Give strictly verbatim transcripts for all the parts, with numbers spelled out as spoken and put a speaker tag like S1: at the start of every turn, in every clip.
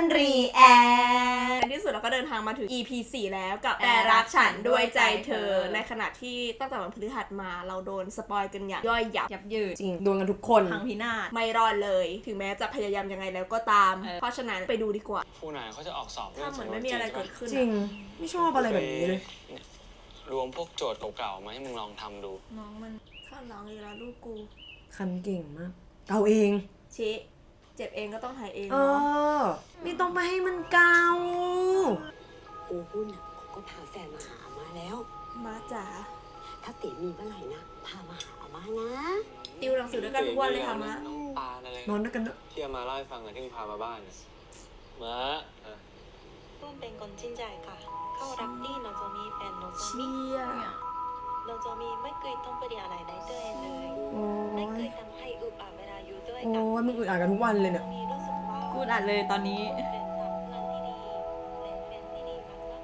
S1: รีแอคในที่สุดเราก็เดินทางมาถึง อี พี สี่แล้วกับแต่รักฉันด้วยใจเธอในขณะที่ตั้งแต่วันพฤหัสมาเราโดนสปอยกันอย่างย่อยยับ
S2: ยับยืด
S1: จริงโดนกันทุกคนพังพินาศไม่รอดเลยถึงแม้จะพยายามยังไงแล้วก็ตามเพราะฉะนั้นไปดูดีกว่า
S3: ครูไหนเขาจะออกสอบ
S1: ถ้าเหมือนไม่มีอะไรเกิดขึ้น
S4: จริงไม่ชอบอะไรแบบนี้เลย
S3: รวมพวกโจทย์เก่าๆมาให้มึงลองทำดู
S1: น้องมันข้าร้องอีกแล้วลูกกู
S4: คันเก่งมากเอาเอง
S1: ชี้เจ็บเองก็ต้องหายเอง
S4: เออไม่ต้องมาให้มันเกา
S5: ปูหุ้นอ่ะเขาก็พาแฟนมาหาอาม่าแล้ว
S1: มาจ๋า
S5: ถ้าเต๋มีเมื่อไหร่นะพามาหาอาม่านะ
S1: ติวหนังสือด้วยกันทุกวันเลยค่ะมะ
S3: น้องปาอะไร
S4: นอนด้วยกันเนอะ
S3: ที่อามาเล่าให้ฟังอะที่มึงพามาบ้านมา
S6: ตุ้มเป็นคนจริงใจค่ะเขารักที่โนโจมีแฟนโนโจมีโนโจมีไม่เคยต้องไปเรียนอะไรได้ด้วยเลยไม่เคยทำให้อึดอัดเวลาอยู่ด้วยกัน
S4: โอ้ยมึงอึดอัดกันทุกวันเลยเนี่ย
S2: กูอัดเลยตอนนี้
S6: เป็นสามเพื่อนที่ดีและเป็นที่ดีมากๆเลย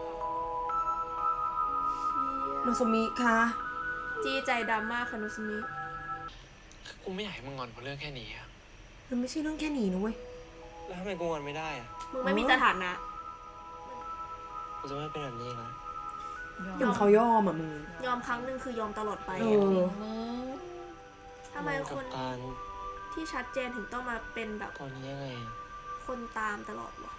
S6: ค่ะ
S4: โนโซมิค่ะ
S1: จี้ใจดำมากค่ะโนโซมิ
S3: กูไม่อยากให้มึงงอนเพราะเรื่องแค่นี้อะ
S4: มันไม่ใช่เรื่องแค่นี้นะเว้ย
S3: แล้วทำไมกูงอนไม่ได้อะ
S1: มึงไม่มีสถานะ
S3: กูจะไม่เป็นแบบนี้นะ
S4: ยอมเขายอมอ่ะมึง
S1: ยอมครั้งหนึ่งคือยอมตลอดไป
S4: เออ
S1: ทำไมคนที่ชัดเจนถึงต้องมาเป็นแบบ
S3: ตอนนี้ยังไง
S1: คนตามตลอดวะ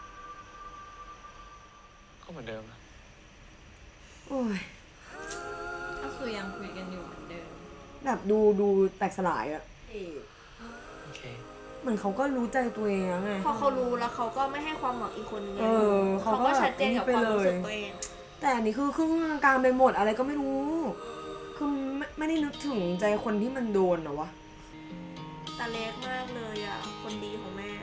S3: ก็เหมือนเดิมอะ
S4: โอ้ย
S2: ก็คือยังคุยกันอยู่เหมือนเดิม
S4: แบบดูดูแตกสลายอะ
S3: โอเค
S4: เหมือนเขาก็รู้ใจตัวเองไง
S1: พอเขารู้แล้วเขาก็ไม่ให้ความหวังอีกคนนึงเขาก็ชัดเจนกับความรู้สึกตัวเอง
S4: แต่อันนี้คือครึ่งกลางไปหมดอะไรก็ไม่รู้คือไม่ไม่ได้นึกถึงใจคนที่มันโดนเหรอวะ
S1: ตาเล็กมากเลยอ่ะคนดีของแม่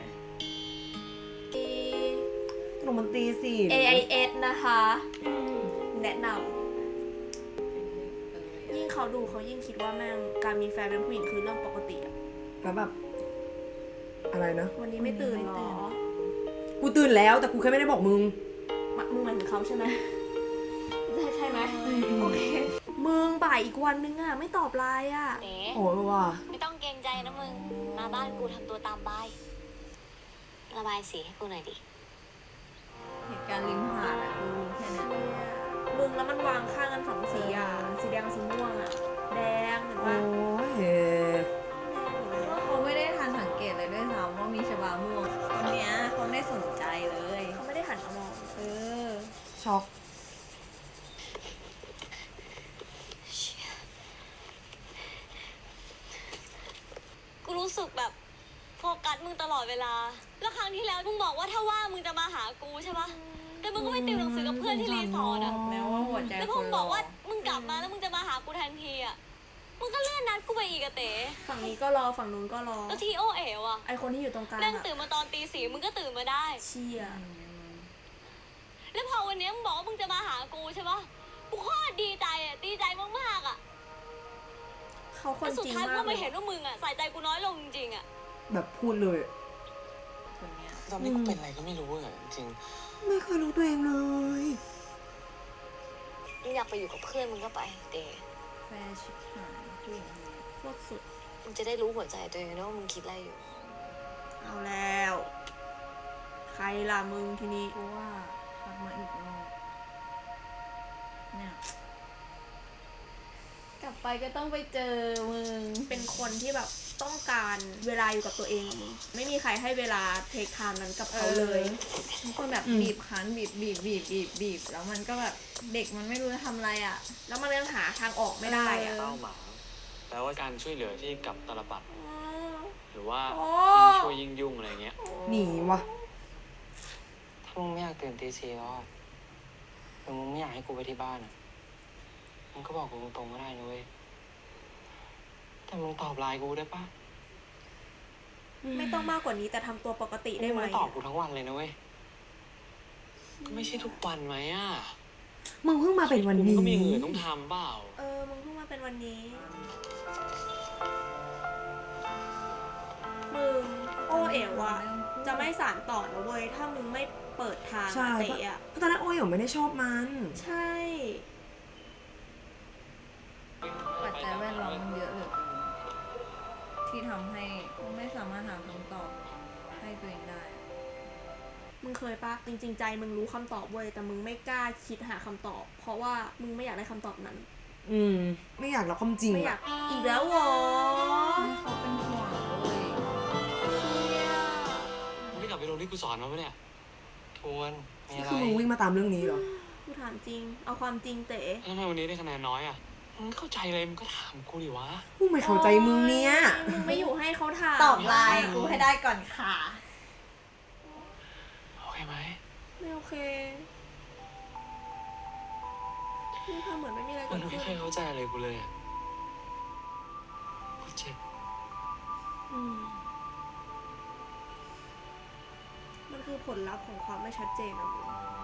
S4: ตรงมันตีสิ
S1: เอ ไอ เอส นะคะแนะนำยิ่งเขาดูเขายิ่งคิดว่าแม่งการมีแฟนเป็นผู้หญิงคือเรื่องปกติอะ
S4: แล้วแบบอะไรนะ
S1: วันนี้ไม่ตื่นหรอ
S4: กูตื่นแล้วแต่กูแค่ไม่ได้บอกมึง
S1: มึงหมายถึงเขาใช่ไหมใช่ใช่ไหมโอเคมึงบ่ายอีกวันนึงอ่ะไม่ตอบไลน์อ่ะ
S4: โอ้ยว่ะ
S6: ไม่ต้องเกรงใจนะมึงมาบ้านกูทำตัวตามบายระบายสีให้กูหน่อยดิ
S2: เหตุการณ์ริมหาดอะกูแค่นั้น
S1: มึงแล้วมันวางข้างกันสองสีอ่ะสีแดงกับสีม่วงอ่ะแดงเห็นปะ
S4: โอ้ย
S2: ว่าเขาไม่ได้ทันสังเกตเลยด้วยซ้ำว่ามีชบาม่วงคนเนี้ยเขาไม่ได้สนใจเลย
S1: เขาไม่ได้หันมามอง
S2: เออ
S4: ช็อก
S6: กูรู้สึกแบบโฟกัสมึงตลอดเวลาแล้วครั้งที่แล้วมึงบอกว่าถ้าว่ามึงจะมาหากูใช่ปะแต่มึงก็ไม่ติวหนังสือกับเพื่อนที่รีสอร์ทอะ
S2: แล้วว่าหัวใจ
S6: แล้วพอมึงบอกว่ามึงกลับมาแล้วมึงจะมาหากูทันทีอะมึงก็เลื่อนนัดกูไปอีกอะเต๋
S1: ฝั่งนี้ก็รอฝั่งนู้นก็รอ
S6: แล้วทีโอเอ๋วอะ
S1: ไอคนที่อยู่ตรงกลาง
S6: นั่งตื่นมาตอนตีสี่มึงก็ตื่นมาได้
S1: เชี่ย
S6: แล้วพอวันนี้มึงบอกว่ามึงจะมาหากูใช่ปะกูโคตรดีใจอะดีใจมากๆอะ
S1: เขาคนจริงมาก
S6: สุดท้ายกูไม่เห็นว่ามึงอะใส่ใจกูน้อยลงจริงๆอะ
S4: แบบพูดเลย
S2: คนเนี้ย
S3: ตอนนี้กูเป็นอะไรก็ไม่รู้อะจริง
S4: ไม่เคยรู้ตัวเองเลย
S6: มึงอยากไปอยู่กับเพื่อนมึงก็ไปเต๋
S2: แฟชิบหายผู้หญิงคนนี้
S1: โคตรสุด
S6: มึงจะได้รู้หัวใจตัวเองนะว่ามึงคิดอะไรอยู่
S1: เอาแล้วใครล่ะมึงทีนี้
S2: กูว่าทักมาอีกรอบเนี่ยกลับไปก็ต้องไปเจอมึง
S1: เป็นคนที่แบบต้องการเวลาอยู่กับตัวเองไม่มีใครให้เวลาเทคไทม์นั้นกับเขาเลย
S2: ทุกคนแบบบีบคั้นบีบบีบบีบบีบบีบแล้วมันก็แบบเด็กมันไม่รู้จะทำอะไรอ่ะ
S1: แล้วมันยังหาทางออกไม่ได้อ่ะ
S3: เป้าหมายแปลว่าการช่วยเหลือที่กับตลปัดหรือว่ายิ่งช่วยยิ่งยุ่งอะไรเงี้ย
S4: หนีวะ
S3: ถ้ามึงไม่อยากตื่นตีสี่แล้วหรือมึงไม่อยากให้กูไปที่บ้านอ่ะมึงก็บอกกูตรงๆก็ได้นะเว้ยแต่มึงตอบไลน์กูได้ปะ
S1: ไม่ต้องมากกว่านี้แต่ทำตัวปกติได้ไหม
S3: ตอบกูทั้งวันเลยนะเว้ยก็ไม่ใช่ทุกวันไหมอ่ะ
S4: มึงเพิ่งมาเป็นวันนี้
S3: มึงก็มีเงินต้องทำเปล่า
S1: เออมึงเพิ่งมาเป็นวันนี้มึงโอเอ๋วอะจะไม่สานต่อนะเว้ยถ้ามึงไม่เปิดทางเตะอะ
S4: ตอนนั้นโอเอ๋วไม่ได้ชอบมัน
S1: ใช่
S2: ปัจจัยแวดล้อมมันเยอะเหลือเกินที่ทำให้ไม่สามารถหาคำตอบให้ตัวเองได้
S1: เคยปะจริงๆใจมึงรู้คำตอบเว้ยแต่มึงไม่กล้าคิดหาคำตอบ เพราะว่ามึงไม่อยากได้คำตอบนั้น
S4: อืม ไม่อยากรับความจริง
S1: ไม่อยา
S4: อะ
S1: กอีกแล้วเหรอ
S2: ให้เขาเป็นห่วงเลย
S3: มึงไม่กลับไปโรงที่กูสอนมาปะเนี่ยทวนมีอะไร
S4: คือมึงวิ่งมาตามเรื่องนี้เหรอ
S1: กูถามจริง เอาความจริงเต๋
S3: แล้วทำไมวันนี้ได้คะแนนน้อยอ่ะมึงเข้าใจเลยมึงก็ถามกูดิวะ
S4: กูไม่เข้าใจมึงเนี่ย
S1: มึงไม่อยู่ให้เขาถาม
S2: ตอบไลน์กูให้ได้ก่อนค่ะ
S3: โอเคไหม
S1: ไม่โอเคมึงทำเหมือนไม่มีอะไร
S3: มั
S1: เกิ
S3: น
S1: ด
S3: ไม่
S1: ขึ้น
S3: เคยเข้าใจอะไรกูเลยอะกูเจ็บ
S1: อืมมันคือผลลัพธ์ของความไม่ชัดเจนอะมึง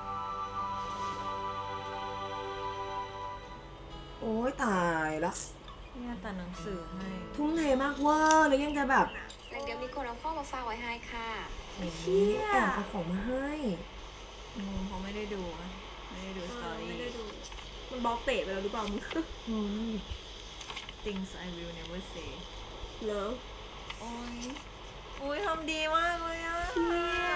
S4: โอ้ยตายละ
S2: เนี่ยแต่หนังสือให้
S4: ทุ่มเทมากเวอร์แล้วยังจะแบบ
S5: แล้วเดี๋ยวมีคนเอาข้อมาฝากไว้ให้ค่ะ
S4: เฮียแอบเอาของมาให้
S2: อืมเขาไม่ได้ดูอะไม่ได้ดูสตอรี่
S1: ไม่ได้ดู มันบล็อกเตะไปแล้วหรือเปล่ามึง
S4: อืม
S2: things I will never say
S1: เลิฟ
S2: โอ้ยอุ้ยทำดีมากเลยอ่ะ
S1: เชี่ย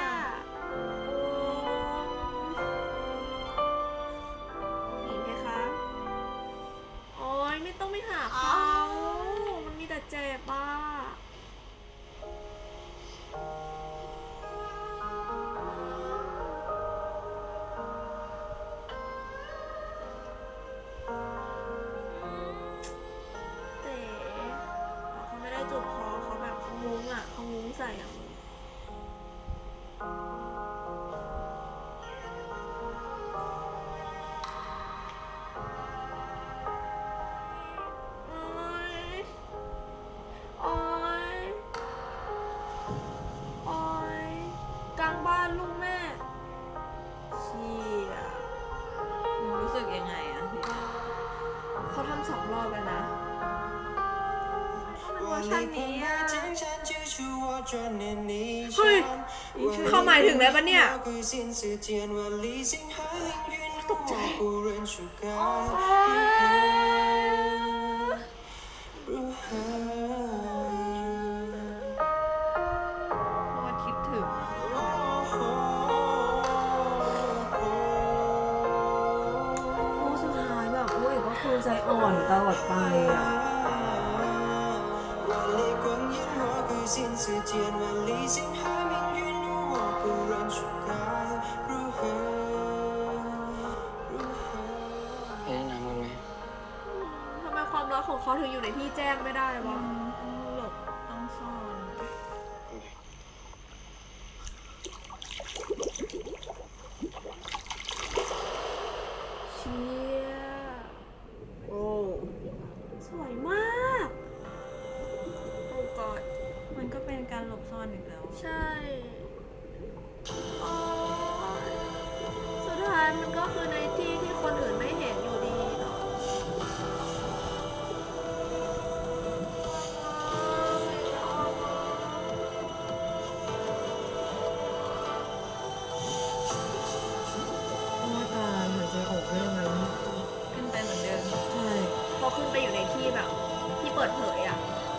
S1: หญิงไหมคะ โอ้ยไม่ต้องไปหาเขามันมีแต่เจ็บอ่ะเต๋เขาไม่ได้จูบคอเขาแบบเขางุ้งอ่ะเขางุ้งใส่อ่ะ โอ๊ย โอ๊ย โอ๊ย กลางบ้านลูกแม่ เชี่ย
S2: มึงรู้สึกยังไงอ่ะทีนี้
S1: เขาทำสองรอบแล้วนะมันเวอร์ชันนี้อะเฮ้ยเขาหมายถึงอะไรปะเนี่ย ตกใจ โอ๊ย
S2: เพราะว่าคิดถึงอะ
S4: โอ้สุดท้ายแบบโอ้ยก็คือใจอ่อนตลอดไปอ่ะ
S3: ไปเล่นน้ำกันไหม
S1: ทำไมความรักของเขาถึงอยู่ในที่แจ้งไม่ได้วะ
S2: ต้องหลบต้องซ่อน
S1: เชี่ย โอ้ สวยมาก โอ้กอด
S2: มันก็เป็นการหลบซ่อนอีกแล้ว
S1: ใช่ โอ้ยสุดท้ายมันก็คือในที่ที่คนอื่นไม่เห็นอยู่ดีเนาะ
S4: โอ้ยตายหายใจออกได้ยังไงวะ
S2: ขึ้นไปเหมือนเดิม
S4: ใช่
S1: พอขึ้นไปอยู่ในที่แบบ ที่เปิดเผยอ่ะ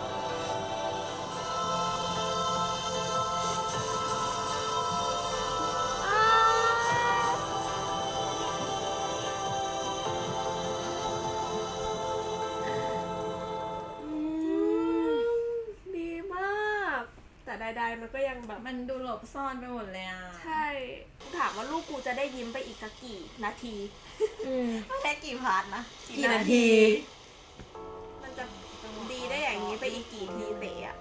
S1: อืมดีมาก แต่ใดๆมันก็ยังแบบ
S2: มันดูหลบซ่อนไปหมดเลยอ่ะ
S1: ใช่ถามว่าลูกกูจะได้ยิ้มไปอีกสักกี่นาที
S4: อืม
S2: ไม่ใช่กี่พาร์ทนะ
S4: กี่นาที
S1: มันจะดีได้อย่างนี้ไปอีกกี่ทีเตะอะ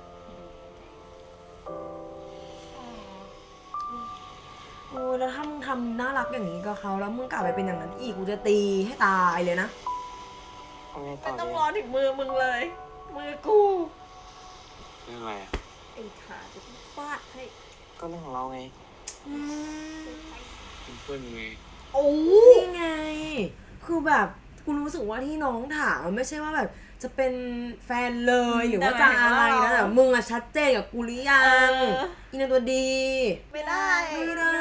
S4: โอ้ยแล้วถ้ามึงทำน่ารักอย่างนี้กับเขาแล้วมึงกลับไปเป็นอย่างนั้นอีกกูจะตีให้ตายเลยนะ
S3: เอาไงต่
S1: ไม่
S3: อ
S1: ต้อง
S3: ดี
S1: รอถึงมือมึงเลย มือกู
S3: เรื่องอะไรอ่ะ
S1: ไอ้ขาจะฟาดให้
S3: ก็เรื่องของเราไง
S4: อืม
S3: เป็นเพื่อนมึงไง
S4: โอ้นี่ไง คือแบบกูรู้สึกว่าที่น้องถามมันไม่ใช่ว่าแบบจะเป็นแฟนเลยหรือว่าจะอะไรนะแต่มึงอะชัดเจนกับกูหรือยังอีนางตัวดี
S2: ไม่ได้
S4: ไม่ได้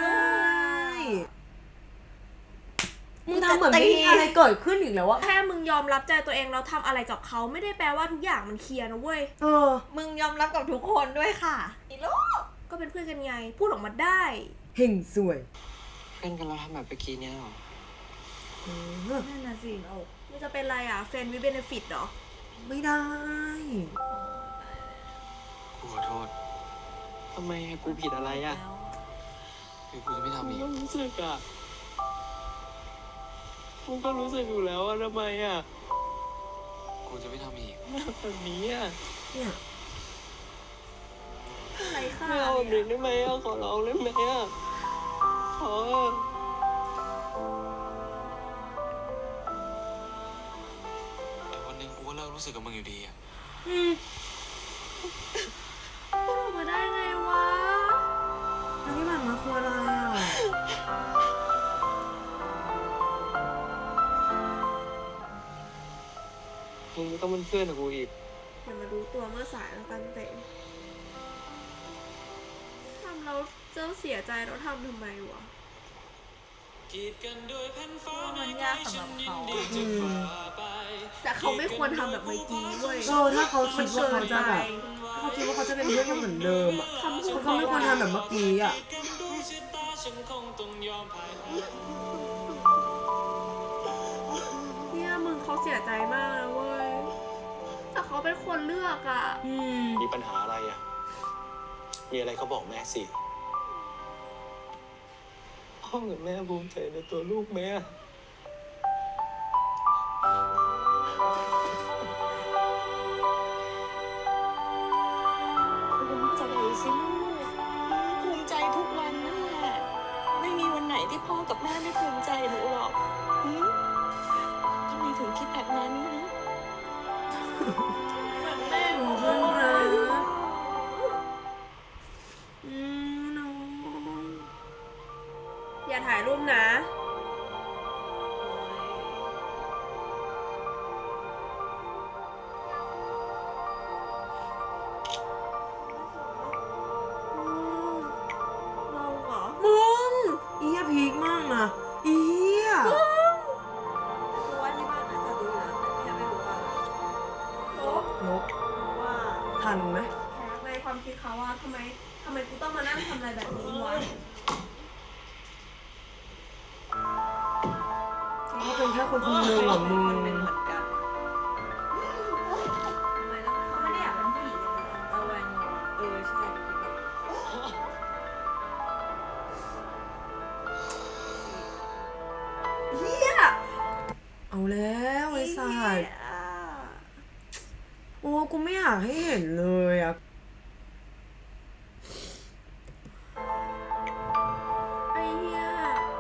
S4: มึงทำเหมือนไม่มีอะไรเกิดขึ้นอีกแล้วอะ
S1: แค่มึงยอมรับใจตัวเองแล้วทำอะไรกับเขาไม่ได้แปลว่าทุกอย่างมันเคลียร์นะเว้ย
S4: เออ
S2: มึงยอมรับกับทุกคนด้วยค่ะอีลูก
S1: ก็เป็นเพื่อนกันไง พูดออกมาได้
S4: เฮงสวย
S3: เพื่อนกันแล้วทำแบบเมื่อกี้เนี้ยเหรอ
S4: เออ
S2: นั่นน่ะสิเรา
S1: มันจะเป็นอะไรอ่ะเฟรนด์วิเบนฟิตเหรอ
S4: ไม่ได้
S3: กูขอโทษทำไมอะกูผิดอะไรอะ
S2: แล้ว
S3: คือกูจะไม่ทำอีกรู้สึกอะกูก็รู้สึกอยู่แล้วอะทำไมอะกูจะไม่ทำอีกแบบนี้อะ
S4: เนี่ย
S1: อะไรค่ะ
S3: ไม่เอาแบบนี้ได้ไหมอะขอร้องได้ไหมอะขอเถอะแต่วันหนึ่งกูก็เลิกรู้สึกกับมึงอยู่ดีอะ
S4: อืม
S1: พูดออกมาได้ไงวะ
S4: แล้วที่ผ่านมาคืออะไรอ่ะ
S3: มึงไม่ต้องเป็นเพื่อนกับกูอีก
S1: อย่ามารู้ตัวเมื่อสายแล้วกันเต็มทำเราเจ้าเสียใจเราทำทำไมวะ
S2: มันยากสำหรับเขา
S4: อืม
S1: แต่เขาไม่ควรทำแบบเมื่อกี้เว้ย
S4: เออถ้าเขาคิดว่าเขาจะแบบถ้าเขาคิดว่าเขาจะเป็นเพื่อนกันเหมือนเดิมอ่ะเขาเขาไม่ควรทำแบบเมื่อกี้อ่ะ
S1: เนี่ยมึงเขาเสียใจมากนะเว้ย แต่เขาเป็นคนเลือกอ่ะ
S4: อืม
S7: มีปัญหาอะไรอ่ะ มีอะไรเขาบอกแม่สิ
S3: พ่อกับแม่ภูมิใจในตัวลูกไหมอะ
S5: ภูมิใจสิลูกภูมิใจทุกวันนั่นแหละ ไม่มีวันไหนที่พ่อกับแม่ไม่ภูมิใจหนูหรอกหืมทำไมถึงคิดแบบนั้นนะ
S1: แม่
S4: โอ้เพื่อนรักอืมน้อง
S1: อย่าถ่ายรูปนะ เราเหรอ
S4: มึงอีเหี้ยพีคมากนะอีเหี้ย
S2: คือว่าที่บ้านน่าจะรู้แล้วแต่แค่ไม่รู้ว่า
S1: โอ๊ะ
S4: ลบ
S1: ว่า
S4: ทันไหม
S1: ในความคิดเขาว่าทำไมทำไมกูต้องมานั่งทำอะไรแบบนี้วะ
S4: เขาเป็นแค่คนคนหนึ่งเหรอมึง
S2: เป็นเหมือนกันทำไมต้อง
S1: เขาไม่ได้อยากเป็นผู้หญิงเลย
S2: ระแวงงงเออใช่คิดแบบ
S1: เฮีย
S4: เอาแล้วไอ้สัตว์โอ้กูไม่อยากให้เห็นเลยอ่ะ
S1: ไอ้เฮีย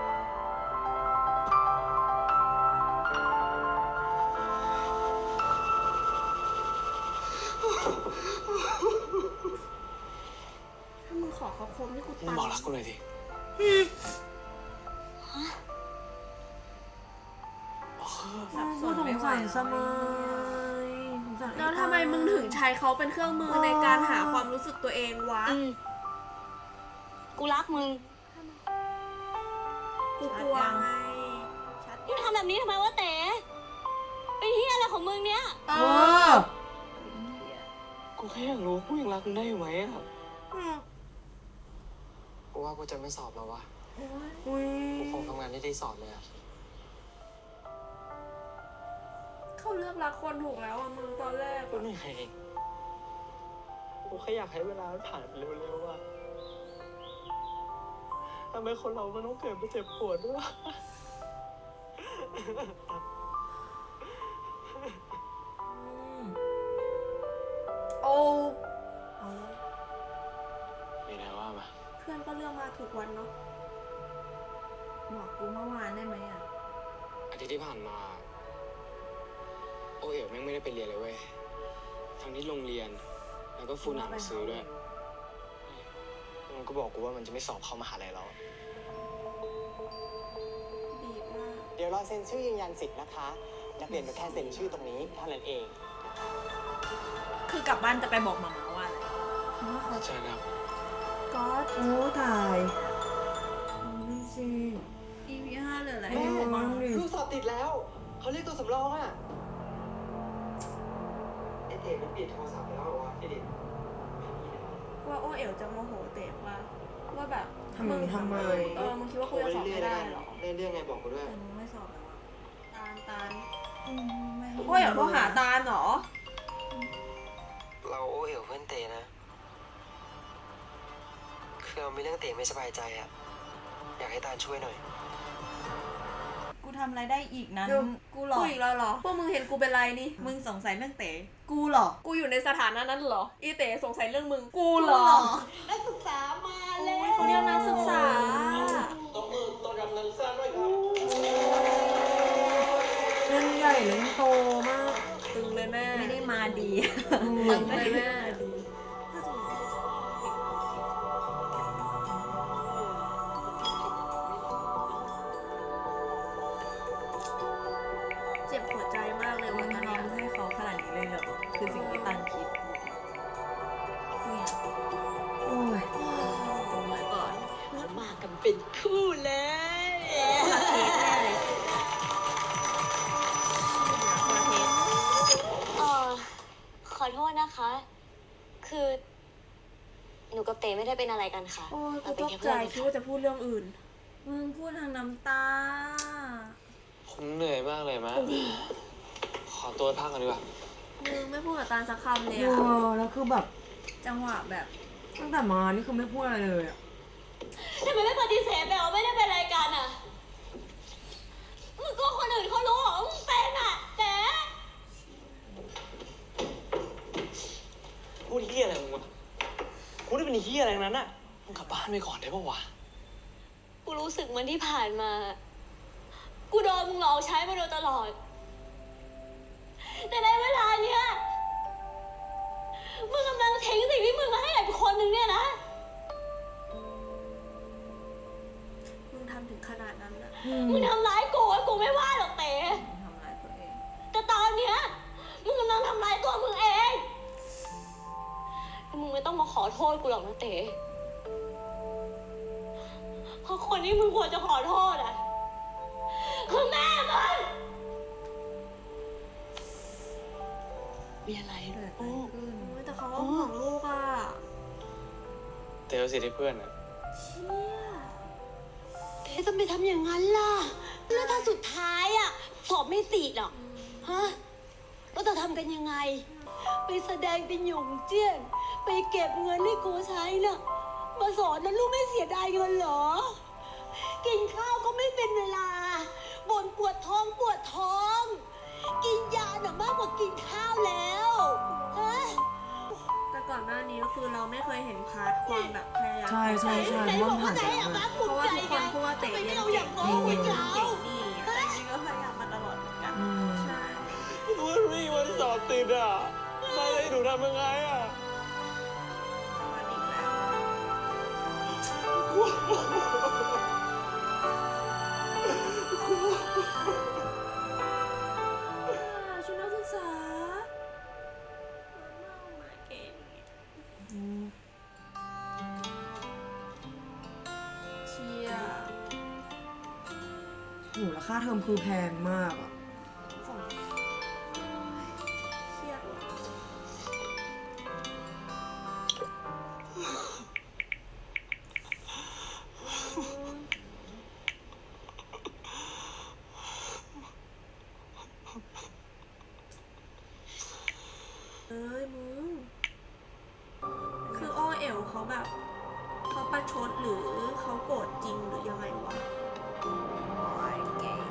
S1: ถ้ามึงขอเขาคมนี่กู
S3: มึง
S1: ตาย
S3: บอกรักกูหน่อยดิ
S2: สับส
S4: กู
S2: น
S4: สง
S2: ไม่ไหว
S4: สารส
S2: แล้ว
S4: มัยสงสารอ้
S1: แล้วทำไมมึงถึงใช้เขาเป็นเครื่องมือในการหาความรู้สึกตัวเองวะ
S5: อืมกูรักมึง
S1: กูกลัวไง
S5: มึงทำแบบนี้ทำไมวะเต๋เป็นเฮียอะไรของมึงเนี้ย
S1: เอ
S4: เอ
S1: อ
S4: อ
S3: กูแค่อยากรู้ว่ากูยังรักมึงได้อยู่ไหมอะ
S4: อืม
S3: กูว่ากูจะไม่สอบแล้ววะ
S4: อุ้ย
S3: กูคงทำงานที่ได้สอบเลยอะ
S1: เขาเลือกรักคนถูกแล้วอะมึงตอนแรก
S3: ก็
S1: อะ
S3: เหนื่อยกูแค่อยากให้เวลามันผ่านไปเร็วๆอะทำไมคนเรามันต้องเกิดมาเจ็บปวดด้วยวะ
S1: โอ้
S3: มีอะไรว่ามา
S1: เพื่อนก็เลือกมาถูกวันเนาะ
S2: บอกกูเมื่อวานได้ไหมอ่ะ
S3: อาทิตย์ที่ผ่านมา โอเอ๋วแม่งไม่ได้ไปเรียนเลยเว้ย ทั้งที่โรงเรียน แล้วก็ฟูหนังซื้อด้วย มันก็บอกกูว่ามันจะไม่สอบเข้ามหาลัยแล้ว
S1: ดีมาก
S7: เดี๋ยวรอเซ็นชื่อยืนยันสิทธิ์นะคะ นักเรียนก็แค่เซ็นชื่อตรงนี้เท่านั้นเอง
S2: คือกลับบ้านจะไปบอกหมาม่าว่าอะไร
S3: ใช่แล้ว
S1: ก็อด
S4: โอ้ตายนี่สิ
S2: อีพีห้าเหลืออะไร
S4: แม่
S2: ให้ดูบ้าง
S4: ดิ
S3: ลูกสอบติดแล้ว เขาเรียกตัวสำรองอ่ะไอเด็กมันปิดโทรศัพท์ไปแล้วเหรอวะไอเด็ก
S1: กูว่าโอเอ๋วจะโมโหเต๋ว่าว่าแบบ
S4: ทำไมทำไม
S1: เออมึงคิดว่ากูจะสอบไม่ได้เหรอ
S3: เรื่องไงบอกกูด้วย
S2: แต่มึงไม่สอบแล้วอะ
S1: ตาลตาล
S2: อืมไม่
S1: โอเอ๋วโทรหาตาลเหรอ
S3: เราโอเอ๋วเพื่อนเตนะ คือเรามีเรื่องเตไม่สบายใจอะอยากให้ตาลช่วยหน่อย
S2: กูทำอะไรได้อีกนั้น
S1: เดี๋ยว
S2: กูหรอ
S1: กูอีกแล้วเหรอ พวกมึงเห็นกูเป็นไรนี่
S2: มึงสงสัยเรื่องเต๋กูหรอ
S1: กูอยู่ในสถานะนั้นเหรอ อีเต๋สงสัยเรื่องมึง กูเหรอ
S5: นักศึกษามาแล้
S1: โอ้ยเขาเรียกนักศึกษา
S3: ต้องมือต้องรับนักศึกษาด้วยครับ
S4: เล่นใหญ่เล่นโตมาก
S1: ตึงเลยแม่
S2: ไม่ได้มาดี
S1: ตึงเลยแม่เจ็บหัวใจมากเลย
S2: มึ
S1: วัน
S2: ง
S1: นั้น
S2: ยอ
S1: เนี่ย
S2: มให้เขาขนาดนี้เลยเหรอ คือสิ่งที่ตันคิดเนี่ย
S4: โอ้ย
S1: โอ้ยก่อน
S5: เขามากันเป็นคู่เลย
S1: คนละเทสแน่เลยคนละเทส
S6: เออขอโทษนะคะ คือ หนูกับเตไม่ได้เป็นอะไรกันค่ะ
S1: โอ้ยกู
S6: เรา
S1: ต
S6: เป็น
S1: ก
S6: แค่
S1: ใจ
S6: เพื่อนกัน
S1: คิด
S6: ค่ะ
S1: ว่าจะพูดเรื่องอื่น
S2: มึงพูดทางน้ำตา
S3: ผมเหนื่อยมากเลยมะขอตัวพักก่อนดีกว่า
S1: มึงไม่พูดกับตาลสักคำเลย
S4: เอ
S1: อะ
S4: อแล้วคือแบบ
S2: จังหวะแบบ
S4: ตั้งแต่มานี่คือไม่พูดอะไรเลยอะ
S6: ทำไมไม่ปฏิเสธแบบว่าไม่ได้เป็นอะไรกันอ่ะ มึงก็คนอื่นเขารู้เหรอว่ามึงเป็นอ่ะแต่
S3: พูดเฮี้ยอะไรมึงวะกูได้เป็นเฮี้ยอะไรทั้งนั้นอะมึงกลับบ้านไปก่อนได้ปะวะ
S6: กูรู้สึกเหมันที่ผ่านมา กูโดนมึงหลอกใช้มาโดยตลอด แต่ในเวลาเนี้ย มึงกำลังทิ้งสิ่งที่มึงมาให้กับคนหนึ่งเนี่ยนะ
S1: มึงทำถึงขนาดนั้นอะ
S4: อืม
S6: มึงทำร้ายกูอะกูไม่ว่าหรอกเต๋
S2: ทำร้ายตัวเอง
S6: แต่ตอนเนี้ย มึงกำลังทำร้ายตัวมึงเองมึงไม่ต้องมาขอโทษกูหรอกนะเต๋เพราะคนที่มึงควรจะขอโทษอ่ะคือแม่มึง
S5: มีอะไร
S2: เกิดอะไร
S5: โอ้
S2: ขึ้น
S1: โอ้ยแต่เขาก็ห่วงลูกอะ
S3: เตเอาสิทธิ์ให้เพื่อนอะ
S1: เชี่ย
S5: เอ๊ะทำไมทำอย่างนั้นล่ะ แล้วถ้าสุดท้ายอ่ะ สอบไม่ติดอ่ะ ฮะเราจะทำกันยังไง ไปแสดงเป็นหยงเจี้ยน ไปเก็บเงินให้กูใช้น่ะ มาสอนนะลูกไม่เสียดายเงินเหรอ กินข้าวก็ไม่เป็นเวลา บ่นปวดท้องปวดท้อง กินยาหนักมากกว่ากินข้าวแล้ว ฮะ
S1: แต่ก่อนหน้านี้ก็คือเราไม่เคยเห็นพาร์ทความแบบพยายาม
S4: ใช่ใช่ใช่
S5: ไหน
S4: เพราะ
S5: บ
S4: มั
S5: อน ก
S4: ผ่า
S5: ว่าน จะ
S4: ไป
S5: ให้
S4: แล้ว
S5: อา
S4: อะ
S5: บ้าภู
S1: เพ
S5: มิ
S1: ราะว่า
S5: ใจ
S1: ทุกคนพูดว่าเตะ
S5: ไงไม่
S1: เรียน
S5: เอาอ
S1: เก่
S5: ย่าง ง
S1: นี่
S5: น้อง
S1: เรียน
S5: เรา
S1: เก่งนี่อะ
S2: แต่จริงก็พยายามมาตลอดเหมือนกัน
S4: อืม
S1: ใช่
S3: วันนี้วันสอบติดอะมาเลยหนูทำยังไงอะ
S1: วันอีกแล้วอ่าชุดนักศึกษามาเก่งเชียร์
S4: โหแล้วค่าเทอมคือแพงมากอะ
S1: สองเครียดว่ะ เอ้ยมึง คืออ้อเอ๋วเขาแบบ เขาประชดหรือเขาโกรธจริงหรือยังไงวะ
S2: โอ้ยเก๋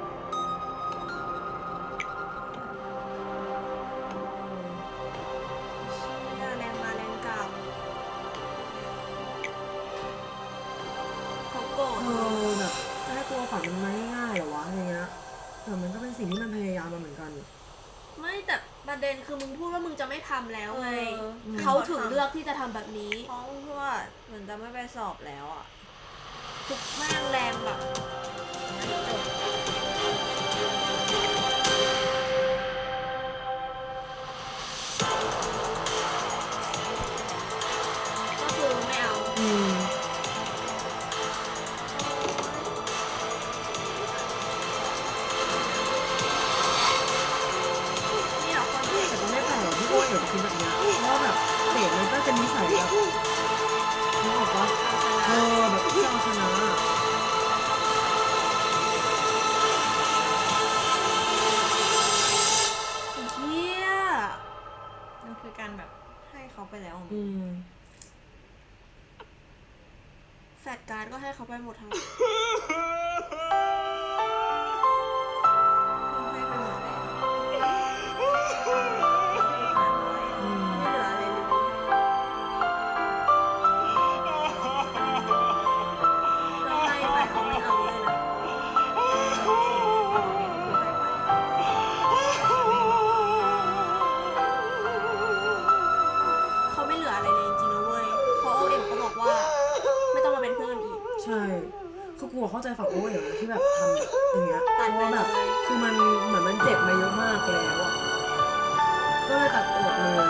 S1: เชี่ยแรงมาแรงกลับ เขาโกรธ
S4: เออแบบจะให้ตัวฝันมันมาง่ายๆเหรอวะอะไรเงี้ยแต่มันก็เป็นสิ่งที่มันพยายามมาเหมือนกัน
S1: ไม่แต่ประเด็นคือมึงพูดว่ามึงจะไม่ทำแล้วไง
S2: เออ
S1: เขาถึงเลือกที่จะทำแบบนี้
S2: เพราะว่าเหมือนจะไม่ไปสอบแล้วอ่ะ
S1: ทุกแม่งแรงแบบก็คือไม่เอา
S4: อืม
S1: นี่เหรอคนที่
S4: แต่ก็ไม่แปลกหรอกที่อ้วนเดี๋ยวจะคิดแบบเนี้ยเพราะว่าแบบเต๋มันก็เป็นนิสัยแบบ
S1: การก็ให้เขาไปหมดทั้ง
S2: ให้ไปหมดเลย
S4: อืม
S1: ไม่เหลืออะไรเลย เราให้ไปเขาไม่เอาเลยนะเขาไม่เหลืออะไรเลยจริงๆนะเว้ยเพราะโอเอ็มก็บอกว่า ไม่ต้องมาเป็นเพื่อนกันอีก
S4: ใช่คือกูเข้าใจฝั่งโอ้ยที่แบบทำแบบอย่างเงี้ย
S1: ตัด
S4: เพ
S1: ไป
S4: ราะว่า
S1: เล
S4: แบบ
S1: ย
S4: คือมันเหมือนมันเจ็บมาเยอะมากแล้วอะก็เลยตัดออกเลย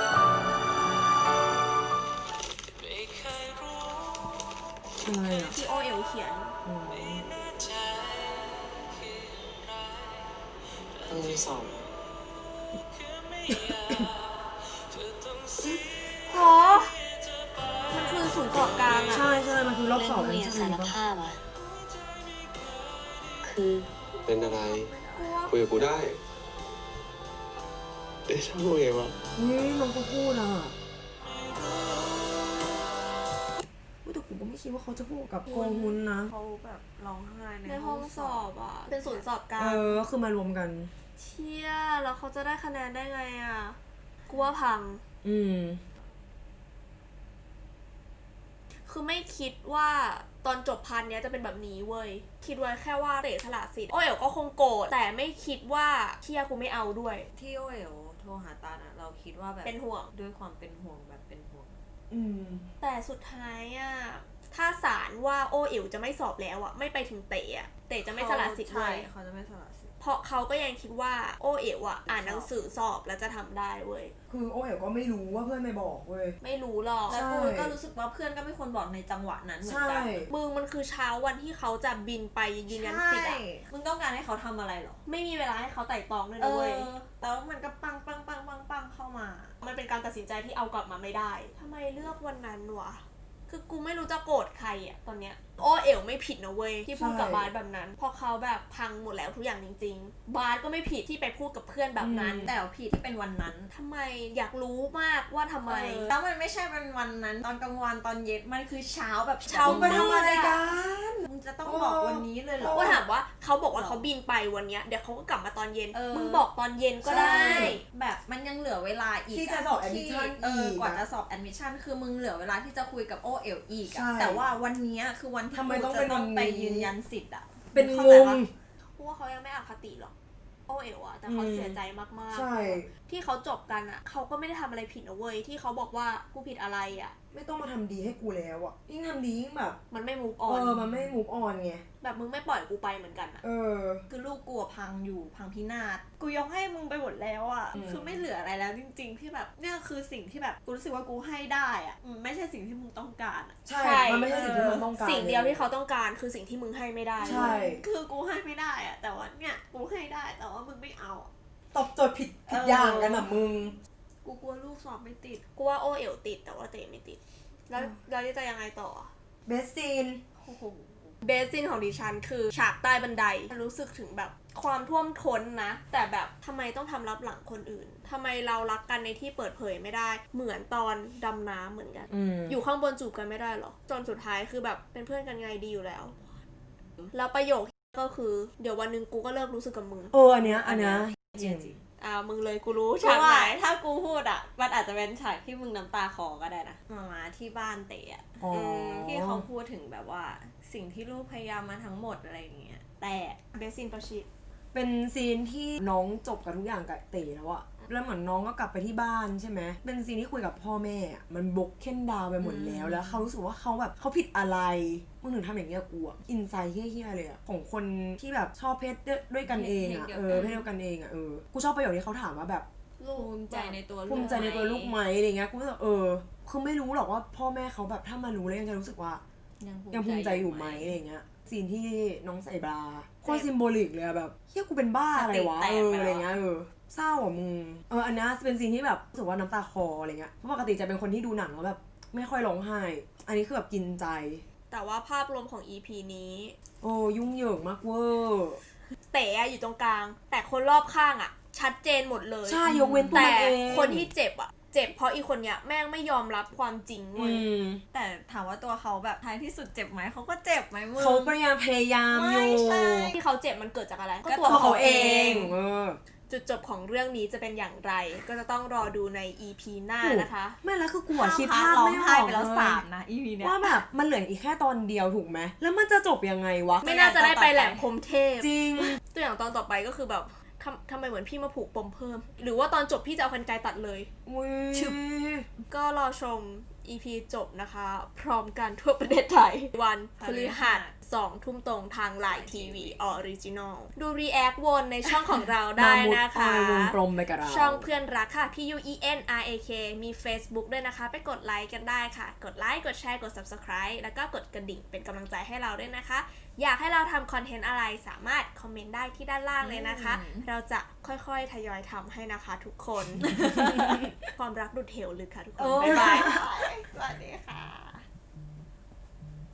S4: อะไรอะ
S1: ที่โอเอลเขียน
S4: อืม
S3: ต้องมีสอบ
S1: โห มันคือศูนย์เกาะกลางอะ
S4: ใช่ใช่มันคือรอบสอง
S5: เรียน
S4: ใช่
S5: สาร
S4: ไหม
S5: ภาพอะคือ
S8: เป็นอะไร
S1: กลัว
S8: คุยกับกูได้เดชาโมเอะวะ
S4: อุ้ยน้องก็พูดอ่ะอุ๊ยแต่กูก็ไม่คิดว่าเขาจะพูดกับโกงุนนะ
S2: เขาแบบร้องไห้ใน
S1: ในห้องสอบอะเป็นศูนย์สอบกลา
S4: เอง อคือมารวมกัน
S1: เชี่ยแล้วเขาจะได้คะแนนได้ไงอะกูว่าพัง
S4: อืม
S1: คือไม่คิดว่าตอนจบพันเนี้ยจะเป็นแบบนี้เว้ย คิดไว้แค่ว่าเตะสละสิทธิ์โอ้ยก็คงโกรธแต่ไม่คิดว่าเชี่ยกูไม่เอาด้วย
S2: ที่โอเอ๋วโทรหาตาลอะเราคิดว่าแบบ
S1: เป็นห่วง
S2: ด้วยความเป็นห่วงแบบเป็นห่วง
S4: อืม
S1: แต่สุดท้ายอะถ้าศาลว่าโอเอ๋วจะไม่สอบแล้วอะไม่ไปถึงเตะอะเตะจะไม่สละสิทธิ์เล
S2: ใช่
S1: ย
S2: เขาจะไม่สละสิทธิ์
S1: เพราะเขาก็ยังคิดว่าโอเอ๋วอะอ่านหนังสือสอบแล้วจะทำได้เว้ย
S4: คือโอ้ยก็ไม่รู้ว่าเพื่อนไม่บอกเว้ย
S1: ไม่รู้หรอก
S2: แล้วกู
S4: ใช่
S2: ก็รู้สึกว่าเพื่อนก็ไม่ควรบอกในจังหวะนั้นเหมือน
S4: ใช่
S2: กัน
S1: มึงมันคือเช้าวันที่เขาจะบินไปยืนยันสิทธิ์อะ
S2: มึงต้องการให้เขาทำอะไรหรอ
S1: ไม่มีเวลาให้เขาไต่ตองด้วย
S2: เอ
S1: นะเว้ย
S2: อแล้วมันก็ปังปังปังปังปังเข้ามา
S1: มันเป็นการตัดสินใจที่เอากลับมาไม่ได้ ทำไมเลือกวันนั้นวะ คือกูไม่รู้จะโกรธใครอะตอนเนี้ย โอเอ๋วไม่ผิดนะเว้ยที่พูดกับบาสแบบนั้น เพราะเขาแบบพังหมดแล้วทุกอย่างจริงๆ บาสก็ไม่ผิดที่ไปพูดกับเพื่อนแบบนั้น
S2: แต่ว่าพี่ที่เป็นวันนั้น
S1: ทำไมอยากรู้มากว่าทำไม
S2: เออแล้วมันไม่ใช่เป็นวันนั้น ตอนกลางวันตอนเย็นมันคือเช้าแบบ
S1: เช้า
S4: ไปทำอะไรกัน
S2: มึงจะต้องบอกวันนี้เลยเหรอ
S1: ก็ถามว่าเขาบอกว่าเขาบินไปวันเนี้ยเดี๋ยวเขาก็กลับมาตอนเย็น
S2: เออ
S1: มึงบอกตอนเย็นก็ได้
S2: แบบมันยังเหลือเวลาอีก
S4: ที่จะสอบ admission
S2: เออ
S4: อีก
S2: กว่า
S4: อะ
S2: จะสอบ admission คือมึงเหลือเวลาที่จะคุยกับโอเอลอีกอะ
S4: ใช่
S2: แต่ว่าวันเนี้ยคือวันที่
S4: ทำไม
S2: กู
S4: ต้อง
S2: จะ
S4: เป็น
S2: ต้
S4: วั
S2: อง
S4: นนี้
S2: ไปยืนยันสิทธิ์อะ
S4: เป็น
S2: เข้าง ใจ
S4: ง
S2: ปะ
S1: เพราะว่าเขายังไม่อคติหรอก โอเอ๋วอะแต่เขา
S4: อืม
S1: เสียใจมากๆ
S4: ใช่
S1: ที่เขาจบกันอะเขาก็ไม่ได้ทำอะไรผิดนะเว้ยที่เขาบอกว่ากูผิดอะไรอะ
S4: ไม่ต้องมาทำดีให้กูแล้วอ่ะ ยิ่งทำดียิ่งแบบ
S1: มันไม่ move
S4: เอ
S1: on
S4: อ มันไม่มูฟออนไง
S1: แบบมึงไม่ปล่อยกูไปเหมือนกันอะ
S4: เออ
S2: คือลูกกูอะพังอยู่พังพินาศกูยกให้มึงไปหมดแล้วอะ
S4: อืม
S2: คือไม่เหลืออะไรแล้วจริง ๆ ที่แบบเนี่ยคือสิ่งที่แบบกูรู้สึกว่ากูให้ได้อะอืมไม่ใช่สิ่งที่มึงต้องการอะ
S4: ใช่ มันไม่ใช่สิ่งที่มันต้องการ
S1: สิ่งเดียวที่เขาต้องการคือสิ่งที่มึงให้ไม่ได้
S4: ใช่
S2: คือกูให้ไม่ได้อะแต่ว่าเนี่ยกูให้ได้แต่ว่ามึงไม่เอาอะ
S4: ตอบโจทย์ผิดผิดอย่างกันอ่ะมึง
S2: กูกลัวลูกสอบไม่ติด
S1: กูว่าโอเอ๋วติดแต่ว่าเตไม่ติด แล้วเราจะยังไงต่อ
S4: เบสซีน
S2: โอ้โห
S1: เบสซินของดิฉันคือฉากใต้บันไดรู้สึกถึงแบบความท่วมท้นนะ แต่แบบทำไมต้องทำรับหลังคนอื่นทำไมเรารักกันในที่เปิดเผยไม่ได้ เหมือนตอนดำน้ำเหมือนกัน
S4: อืม
S1: อยู่ข้างบนจูบกันไม่ได้หรอ จนสุดท้ายคือแบบเป็นเพื่อนกันไงดีอยู่แล้ว แล้วประโยคก็คือเดี๋ยววันหนึ่งกูก็เลิกรู้สึกกับมึง
S4: เออ อันเนี้ย อันเนี้ย
S2: จริงจริง
S1: อ่ามึงเลยกูรู้
S2: เพ
S1: ฉาก
S2: ราะว่า
S1: ไหน
S2: ถ้ากูพูดอ่ะ มันอาจจะเป็นฉากที่มึงน้ำตาคลอก็ได้นะมามาที่บ้านเตะอะ
S4: อ๋อ
S2: มที่เขาพูดถึงแบบว่าสิ่งที่ลูกพยายามมาทั้งหมดอะไรอย่างเงี้ยแต่
S1: เบสซินประชิด
S4: เป็นซีนที่น้องจบกับทุกอย่างกับเต๋แล้วอะแล้วเหมือนน้องก็กลับไปที่บ้านใช่ไหม เป็นซีนที่คุยกับพ่อแม่อะมันบกเค้นดาวไปหมดแล้ว แล้วเขารู้สึกว่าเขาแบบเขาผิดอะไร มึงถึงทำอย่างเงี้ยกูอะอินไซต์เฮี้ยๆเลยอะของคนที่แบบชอบเพศด้วยกันเองอะเออเพศเดียวกันเองอะเออ กูชอบประโยคที่เขาถามว่าแบบ
S1: ลูก
S2: ภูมิใจในตัวลูก
S4: ภูมิใจในตัวลูกไหมอะไรเงี้ย กูรู้สึกเออ คือไม่รู้หรอกว่าพ่อแม่เขาแบบถ้ามารู้แล้วยังจะรู้สึกว่า ยังภูมิใจอยู่ไหมอะไรเงี้ยซีนที่น้องใส่บราโคตรซิมโบลิกเลยอะแบบเฮียกูเป็นบ้าอะไรวะเอออะไรเงี้ยเออเศร้าอ่ะมึงเอออันนี้เป็นซีนที่แบบรู้สึกว่าน้ำตาคลออะไรเงี้ยเพราะปกติจะเป็นคนที่ดูหนังแล้วแบบไม่ค่อยร้องไห้อันนี้คือแบบกินใจ
S1: แต่ว่าภาพรวมของ อี พี นี้
S4: โอ้ยุ่งเหยิงมากเวอร์
S1: เต๋อะอยู่ตรงกลาง แต่คนรอบข้างอะชัดเจนหมดเลย
S4: ใช่ยกเว้นตัว
S1: แต่
S4: มันเอง
S1: คนที่เจ็บอะเจ็บเพราะอีคนเนี้ยแม่งไม่ยอมรับความจริง
S4: อื
S1: เว้ย
S4: ม
S2: แต่ถามว่าตัวเขาแบบท้ายที่สุดเจ็บไหมเขาก็เจ็บไหมมึง
S4: เขาพยายามพยายามอยู่
S2: ไม่ใช่
S1: ที่เขาเจ็บมันเกิดจากอะไร
S2: ก็
S1: ก็
S2: ตั
S1: ตัว ว
S4: เขา
S1: เขา
S4: เอ
S1: เอง
S4: งเออ
S1: จุดจบของเรื่องนี้จะเป็นอย่างไร ก็จะต้องรอดูใน อี พี หน้านะคะ
S4: ไม่แล้วคือกูอะคิดภาพ
S2: ร้อง
S4: ไม่อ
S2: ไห้
S4: อก
S2: ไป
S4: เล
S2: แล้ว
S4: ย
S2: สามนะ อี พี เนี้ย
S4: ว่าแบบมันเหลืออีกแค่ตอนเดียวถูกไหมแล้วมันจะจบยังไงวะ
S1: ไม่น่าจะได้ไปแหลมพรหมเทพ
S4: จริง
S1: ตัวอย่างตอนต่อไปก็คือแบบทำทำไมเหมือนพี่มาผูกปมเพิ่ม หรือว่าตอนจบพี่จะเอากรรไกรตัดเลย
S4: อุ้ย
S1: ชึบ ก็รอชม อี พี จบนะคะ พร้อมกันทั่วประเทศไทย วันพฤหัสสองทุ่มตรงทางไลน์ทีวีออริจินอลดูรีแอควนในช่องของเราได้นะคะ
S4: มามุดออยวงกลมไปกับเรา
S1: ช่องเพื่อนรักค่ะ P U E N R A K มี Facebook ด้วยนะคะ ไปกดไลค์กันได้ค่ะ กดไลค์ กดแชร์ กด Subscribe แล้วก็กดกระดิ่งเป็นกำลังใจให้เราด้วยนะคะ อยากให้เราทำคอนเทนต์อะไรสามารถคอมเมนต์ได้ที่ด้านล่างเลยนะคะ เราจะค่อยๆ ทยอยทำให้นะคะทุกคน ความรักดุดเหวลึกค่ะทุกคน บ๊ายบาย
S2: สวัสดีค่ะ